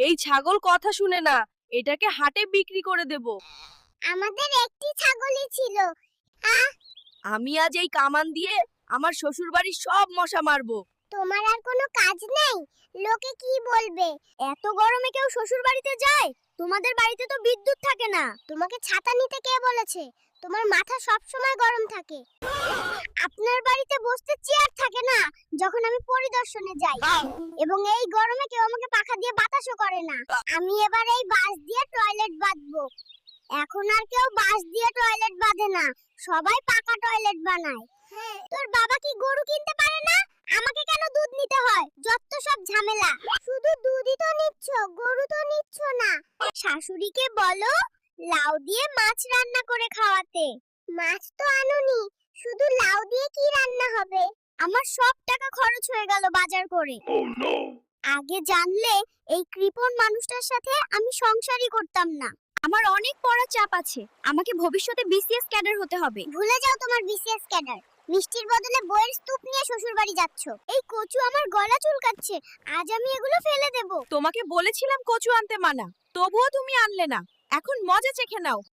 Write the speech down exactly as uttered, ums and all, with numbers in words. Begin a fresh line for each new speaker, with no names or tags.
এই ছাগল কথা শুনে না, এটাকে হাটে বিক্রি করে দেব।
আমাদের একটি ছাগলই ছিল। আহ,
আমি আজ এই কামান দিয়ে আমার শ্বশুর বাড়ির সব মশা মারবো।
তোমার আর কোনো কাজ নেই? লোকে কি বলবে?
এত গরমে কেউ শ্বশুর বাড়িতে যায়? তোমাদের বাড়িতে তো বিদ্যুৎ থাকে না।
তোমাকে ছাতা নিতে কে বলেছে? তোমার মাথা সব সময় গরম থাকে। আপনার বাড়িতে বসতে চেয়ার থাকে না যখন আমি পরিদর্শনে যাই, এবং এই গরমে কেউ আমাকে পাখা দিয়ে বাতাসও করে না। আমি এবার এই বাঁশ দিয়ে টয়লেট বাঁধবো। এখন আর কেউ বাঁশ দিয়ে টয়লেট বাঁধে না, সবাই পাকা টয়লেট বানায়। তোর বাবা কি গরু কিনতে পারে না? আমাকে কেন দুধ নিতে হয়? যত সব ঝামেলা। শুধু দুধই তো নিচ্ছ, গরু তো নিচ্ছ না। শাশুড়িকে বলো লাউ দিয়ে মাছ রান্না করে খাওয়াতে। মাছ তো আনুনি, শুধু লাউ দিয়ে কি রান্না হবে? আমার সব টাকা খরচ হয়ে গেল বাজার করে। আগে জানলে এই কৃপণ মানুষটার সাথে আমি সংসারই করতাম না।
আমার অনেক পড়া চাপ আছে, আমাকে ভবিষ্যতে বিসিএস ক্যাডার হতে হবে।
ভুলে যাও তোমার বিসিএস ক্যাডার। মিষ্টির বদলে বইয়ের স্তূপ নিয়ে শ্বশুর বাড়ি যাচ্ছ। এই কচু আমার গলা চুলকাচ্ছে, আজ আমি এগুলো ফেলে দেব।
তোমাকে বলেছিলাম কচু আনতে মানা, তবুও তুমি আনলে না। এখন মজা চেখে নাও।